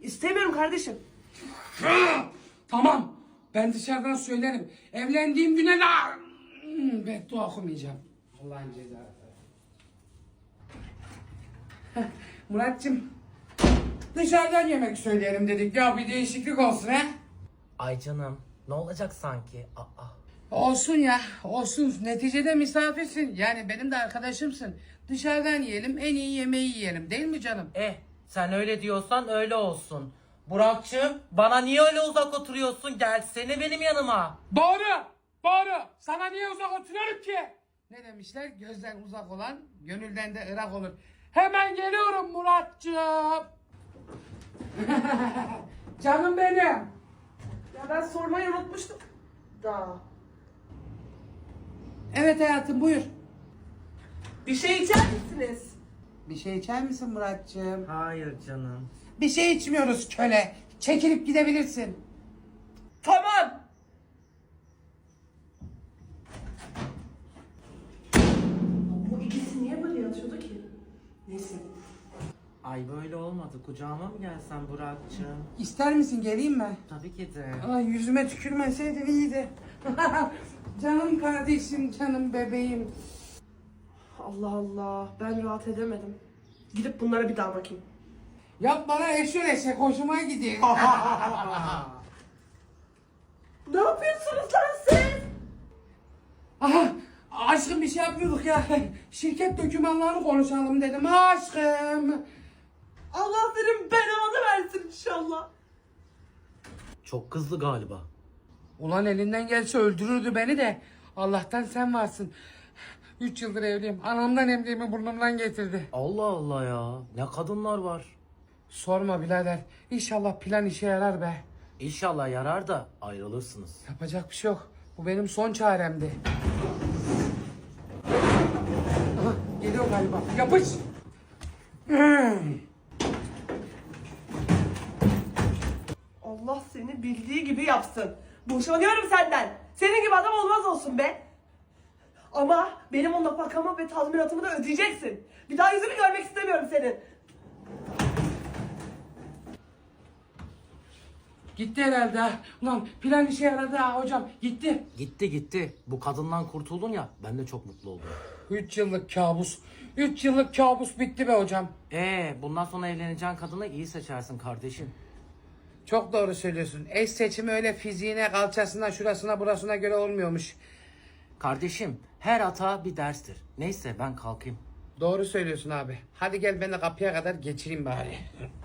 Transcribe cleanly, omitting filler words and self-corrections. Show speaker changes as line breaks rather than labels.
İstemiyorum kardeşim.
Tamam. Ben dışarıdan söylerim. Evlendiğim güne de beddua okumayacağım. Allah'ın cezası. Muratcığım. Dışarıdan yemek söyleyelim dedik ya, bir değişiklik olsun he.
Ay canım, ne olacak sanki? Aa.
Olsun ya, olsun. Neticede misafirsin. Yani benim de arkadaşımsın. Dışarıdan yiyelim, en iyi yemeği yiyelim. Değil mi canım?
Sen öyle diyorsan öyle olsun. Burak'cığım, bana niye öyle uzak oturuyorsun? Gelsene benim yanıma.
Doğru, doğru. Sana niye uzak oturuyorum ki? Ne demişler? Gözden uzak olan, gönülden de ırak olur. Hemen geliyorum Muratcığım. Canım benim.
Ya ben sormayı unutmuştum. Da.
Evet hayatım, buyur.
Bir şey içer misiniz?
Bir şey içer misin Muratcığım?
Hayır canım.
Bir şey içmiyoruz köle. Çekilip gidebilirsin.
Tamam. Bu ikisi niye böyle yatıyordu ki? Neyse.
Ay böyle olmadı. Kucağıma mı gelsen Burak'cığım?
İster misin, geleyim mi?
Tabii ki de.
Ay, yüzüme tükürmeseydin iyiydi. Canım kardeşim, canım bebeğim.
Allah Allah, ben rahat edemedim. Gidip bunlara bir daha bakayım.
Yap bana eşör eşek, hoşuma gidiyor.
Ne yapıyorsunuz lan siz?
Aha, aşkım bir şey yapmıyorduk ya. Şirket dokümanlarını konuşalım dedim aşkım.
Allah senin belanı versin inşallah.
Çok kızdı galiba.
Ulan elinden gelse öldürürdü beni de. Allah'tan sen varsın. 3 yıldır evliyim. Anamdan emdiğimi burnumdan getirdi.
Allah Allah ya. Ne kadınlar var.
Sorma birader. İnşallah plan işe yarar be.
İnşallah yarar da ayrılırsınız.
Yapacak bir şey yok. Bu benim son çaremdi. Aha, geliyor galiba. Yapış.
Allah seni bildiği gibi yapsın. Boşanıyorum senden. Senin gibi adam olmaz olsun be. Ama benim o nafakamı ve tazminatımı da ödeyeceksin. Bir daha yüzünü görmek istemiyorum senin.
Gitti herhalde ha. Ulan plan işe yaradı ha hocam. Gitti.
Gitti. Bu kadından kurtuldun ya, ben de çok mutlu oldum.
3 yıllık kabus. 3 yıllık kabus bitti be hocam.
Bundan sonra evleneceğin kadını iyi seçersin kardeşim.
Çok doğru söylüyorsun. Eş seçimi öyle fiziğine, kalçasına, şurasına, burasına göre olmuyormuş.
Kardeşim, her hata bir derstir. Neyse ben kalkayım.
Doğru söylüyorsun abi. Hadi gel beni kapıya kadar geçireyim bari.